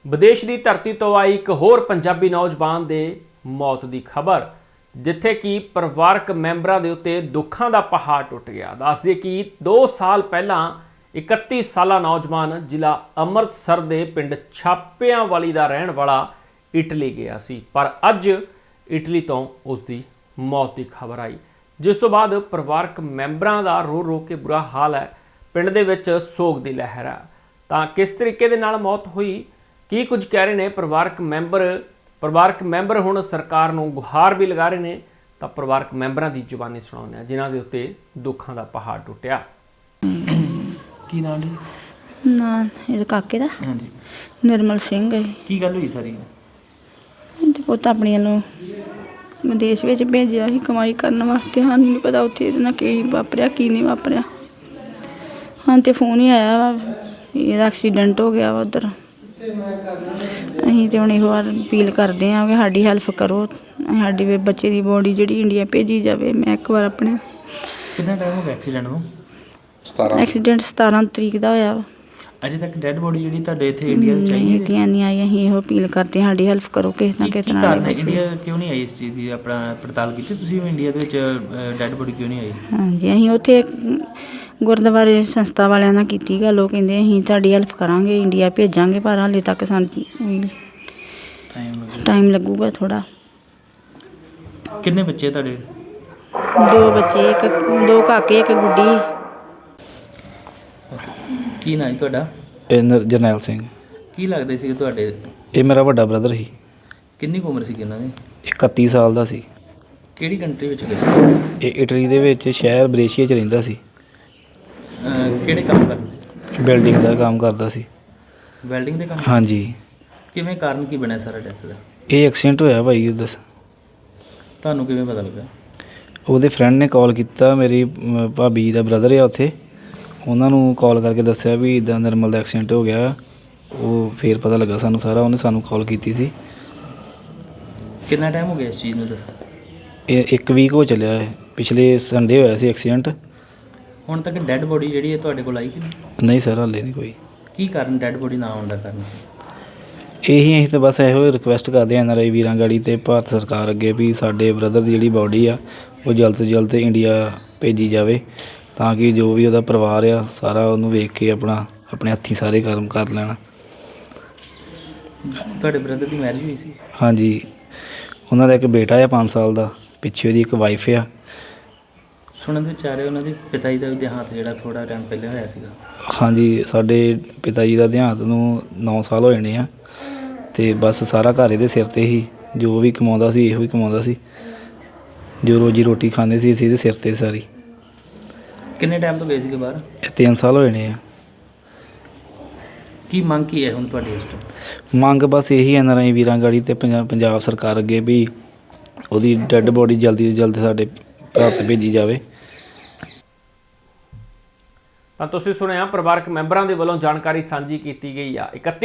विदेश की धरती तो आई एक होर पंजाबी नौजवान के मौत की खबर, जिथे कि परिवारक मैंबरां दे उत्ते दुखां दा पहाड़ टुट गया। दस दिए कि 2 साल पहला 31 साला नौजवान जिला अमृतसर के पिंड छापियांवाली का रहने वाला इटली गया सी, पर अज इटली तो उसकी मौत की खबर आई, जिस तो बाद परिवारक मैंबरां का रो रो के बुरा हाल है। पिंड दे विच सोग की लहर है। तो किस तरीके दे नाल मौत हुई, की कुछ कह रहे हैं परिवारक मैंबर हुण सरकार नूं गुहार भी लगा रहे हैं। तो परिवारक मैंबरां की जुबानी सुणाउने जिन्हां दे उत्ते दुखां दा पहाड़ टुटिया। की नाम जी? ना ਇਹਦੇ ਕਾਕੇ ਦਾ हाँ जी। ਨਿਰਮਲ ਸਿੰਘ ਹੈ। की गल हुई सारी? ਤੇ ਪੁੱਤ ਆਪਣੀਆਂ ਨੂੰ ਵਿਦੇਸ਼ ਵਿੱਚ ਭੇਜਿਆ ਸੀ ਕਮਾਈ ਕਰਨ ਵਾਸਤੇ। ਸਾਨੂੰ ਨਹੀਂ ਪਤਾ ਉੱਥੇ ਇਹਦੇ ਨਾਲ ਕੀ ਵਾਪਰਿਆ ਕੀ ਨਹੀਂ ਵਾਪਰਿਆ। ਹਾਂ ਤੇ ਫੋਨ ਹੀ ਆਇਆ ਵਾ ਇਹਦਾ ਐਕਸੀਡੈਂਟ ਹੋ ਗਿਆ ਵਾ ਉੱਧਰ। ਅਸੀਂ ਤੇ ਹੁਣ ਇਹੋ ਵਾਰ ਅਪੀਲ ਕਰਦੇ ਹਾਂ ਕਿ ਸਾਡੀ ਹੈਲਪ ਕਰੋ, ਸਾਡੀ ਵੀ ਬੱਚੇ ਦੀ ਬੋਡੀ ਜਿਹੜੀ ਇੰਡੀਆ ਭੇਜੀ ਜਾਵੇ। ਮੈਂ ਇੱਕ ਵਾਰ ਆਪਣੇ कितना टाइम हो गया एक्सीडेंट ਨੂੰ? ਐਕਸੀਡੈਂਟ 17 ਤਰੀਕ ਦਾ ਹੋਇਆ ਵਾ। अजे तक डेड बॉडी ਜਿਹੜੀ ਤੁਹਾਡੇ ਇੱਥੇ ਇੰਡੀਆ ਚ ਆਈ ਹੈ? ਇੰਡੀਆ ਨਹੀਂ ਆਈ। ਅਸੀਂ ਇਹੋ ਅਪੀਲ ਕਰਦੇ ਹਾਂ ਸਾਡੀ ਹੈਲਪ ਕਰੋ ਕਿਸੇ ਨਾ ਕਿਸੇ ਤਰ੍ਹਾਂ ਨਾਲ। ਇੰਡੀਆ ਕਿਉਂ ਨਹੀਂ ਆਈ ਇਸ ਚੀਜ਼ ਦੀ ਆਪਣਾ ਪੜਤਾਲ ਕੀਤੀ ਤੁਸੀਂ? ਇੰਡੀਆ ਦੇ ਵਿੱਚ ਡੈਡ ਬੋਡੀ ਕਿਉਂ ਨਹੀਂ ਆਈ? ਹਾਂਜੀ, ਅਸੀਂ ਉੱਥੇ ਗੁਰਦੁਆਰੇ ਸੰਸਥਾ ਵਾਲਿਆਂ ਨਾਲ ਕੀਤੀ ਗੱਲ। ਉਹ ਕਹਿੰਦੇ ਅਸੀਂ ਤੁਹਾਡੀ ਹੈਲਪ ਕਰਾਂਗੇ, ਇੰਡੀਆ ਭੇਜਾਂਗੇ, ਪਰ ਹਾਲੇ ਤੱਕ ਸਾਨੂੰ ਟਾਈਮ ਲੱਗੂਗਾ ਥੋੜ੍ਹਾ। ਕਿੰਨੇ ਬੱਚੇ ਤੁਹਾਡੇ? 2 ਬੱਚੇ, 2 ਕਾਕੇ, 1 ਗੁੱਡੀ। ਕੀ ਨਾਂ ਹੈ ਤੁਹਾਡਾ? ਜਰਨੈਲ ਸਿੰਘ। ਕੀ ਲੱਗਦੇ ਸੀ ਤੁਹਾਡੇ? ਇਹ ਮੇਰਾ ਵੱਡਾ ਬ੍ਰਦਰ ਸੀ। ਕਿੰਨੀ ਕੁ ਉਮਰ ਸੀ ਇਹਨਾਂ ਦੀ? 31 ਸਾਲ ਦਾ ਸੀ। ਕਿਹੜੀ ਕੰਟਰੀ ਵਿੱਚ ਗਏ ਸੀ? ਇਹ ਇਟਲੀ ਦੇ ਵਿੱਚ ਸ਼ਹਿਰ ਬਰੇਸ਼ੀਆ 'ਚ ਰਹਿੰਦਾ ਸੀ। ਕਿਹੜੇ ਕੰਮ ਕਰਦੇ ਸੀ? ਬਿਲਡਿੰਗ ਦਾ ਕੰਮ ਕਰਦਾ ਸੀ। ਵੈਲਡਿੰਗ ਦੇ ਕੰਮ? ਹਾਂਜੀ। ਕਿਵੇਂ ਕਾਰਨ ਕੀ ਬਣਿਆ ਸਾਰਾ ਡੈਥ ਦਾ? ਇਹ ਐਕਸੀਡੈਂਟ ਹੋਇਆ ਭਾਈ ਉਹਦਾ। ਤੁਹਾਨੂੰ ਕਿਵੇਂ ਪਤਾ ਲੱਗਾ? ਉਹਦੇ ਫਰੈਂਡ ਨੇ ਕਾਲ ਕੀਤਾ, ਮੇਰੀ ਭਾਬੀ ਦਾ ਬ੍ਰਦਰ ਆ ਉੱਥੇ, ਉਹਨਾਂ ਨੂੰ ਕਾਲ ਕਰਕੇ ਦੱਸਿਆ ਵੀ ਇੱਦਾਂ ਨਿਰਮਲ ਦਾ ਐਕਸੀਡੈਂਟ ਹੋ ਗਿਆ। ਉਹ ਫਿਰ ਪਤਾ ਲੱਗਾ ਸਾਨੂੰ ਸਾਰਾ, ਉਹਨੇ ਸਾਨੂੰ ਕਾਲ ਕੀਤੀ ਸੀ। ਕਿੰਨਾ ਟਾਈਮ ਹੋ ਗਿਆ ਇਸ ਚੀਜ਼ ਨੂੰ ਦੱਸ? ਇਹ 1 ਵੀਕ ਹੋ ਚੱਲਿਆ ਹੈ। ਪਿਛਲੇ ਸੰਡੇ ਹੋਇਆ ਸੀ ਐਕਸੀਡੈਂਟ। ਹੁਣ ਤੱਕ ਡੈਡ ਬੋਡੀ ਜਿਹੜੀ ਹੈ ਤੁਹਾਡੇ ਕੋਲ ਆਈ ਕਿ ਨਹੀਂ? ਨਹੀਂ ਸਰ, ਹਾਲੇ ਨਹੀਂ ਕੋਈ। ਕੀ ਕਾਰਨ ਡੈਡ ਬੋਡੀ ਨਾ ਆਉਣ ਦਾ ਕਾਰਨ? ਅਸੀਂ ਤਾਂ ਬਸ ਇਹੋ ਰਿਕੁਐਸਟ ਕਰਦੇ ਹਾਂ NRI ਵੀਰਾਂ ਗਾੜੀ ਅਤੇ ਭਾਰਤ ਸਰਕਾਰ ਅੱਗੇ ਵੀ ਸਾਡੇ ਬ੍ਰਦਰ ਦੀ ਜਿਹੜੀ ਬਾਡੀ ਆ ਉਹ ਜਲਦ ਤੋਂ ਜਲਦ ਇੰਡੀਆ ਭੇਜੀ ਜਾਵੇ, ਤਾਂ ਕਿ ਜੋ ਵੀ ਉਹਦਾ ਪਰਿਵਾਰ ਆ ਸਾਰਾ ਉਹਨੂੰ ਵੇਖ ਕੇ ਆਪਣੇ ਹੱਥੀਂ ਸਾਰੇ ਕਰਮ ਕਰ ਲੈਣ। ਤੁਹਾਡੇ ਬ੍ਰਦਰ ਦੀ ਮੈਰਿਜ ਹੋਈ ਸੀ? ਹਾਂਜੀ। ਉਹਨਾਂ ਦਾ ਇੱਕ ਬੇਟਾ ਆ 5 ਸਾਲ ਦਾ, ਪਿੱਛੇ ਉਹਦੀ ਇੱਕ ਵਾਈਫ ਆ। ਸੁਣਨ ਦੇ ਵਿਚ ਆ ਰਿਹਾ ਉਹਨਾਂ ਦੇ ਪਿਤਾ ਜੀ ਦਾ ਵੀ ਦੇਹਾਂਤ ਜਿਹੜਾ ਥੋੜ੍ਹਾ ਟਾਈਮ ਪਹਿਲੇ ਹੋਇਆ ਸੀਗਾ। ਹਾਂਜੀ, ਸਾਡੇ ਪਿਤਾ ਜੀ ਦਾ ਦੇਹਾਂਤ ਨੂੰ 9 ਸਾਲ ਹੋ ਜਾਣੇ ਆ, ਅਤੇ ਬਸ ਸਾਰਾ ਘਰ ਇਹਦੇ ਸਿਰ 'ਤੇ ਹੀ। ਜੋ ਵੀ ਕਮਾਉਂਦਾ ਸੀ ਇਹੋ ਹੀ ਕਮਾਉਂਦਾ ਸੀ, ਜੋ ਰੋਜੀ ਰੋਟੀ ਖਾਂਦੇ ਸੀ ਅਸੀਂ ਇਹਦੇ ਸਿਰ 'ਤੇ ਸਾਰੀ। ਕਿੰਨੇ ਟਾਈਮ ਤੋਂ ਗਏ ਸੀਗੇ ਬਾਹਰ? 3 ਸਾਲ ਹੋ ਜਾਣੇ ਆ। ਕੀ ਮੰਗ ਕੀ ਹੈ ਹੁਣ ਤੁਹਾਡੀ ਇਸ ਤੋਂ? ਮੰਗ ਬਸ ਇਹੀ NRI ਵੀਰਾਂ ਗਾੜੀ ਅਤੇ ਪੰਜਾਬ ਸਰਕਾਰ ਅੱਗੇ ਵੀ ਉਹਦੀ ਡੈੱਡ ਬੋਡੀ ਜਲਦੀ ਤੋਂ ਜਲਦੀ ਸਾਡੇ ਭਾਰਤ ਭੇਜੀ ਜਾਵੇ। ਤਾਂ ਤੁਸੀਂ ਸੁਣਿਆ ਪਰਿਵਾਰਕ ਮੈਂਬਰਾਂ ਦੇ ਵੱਲੋਂ ਜਾਣਕਾਰੀ ਸਾਂਝੀ ਕੀਤੀ ਗਈ ਆ। 31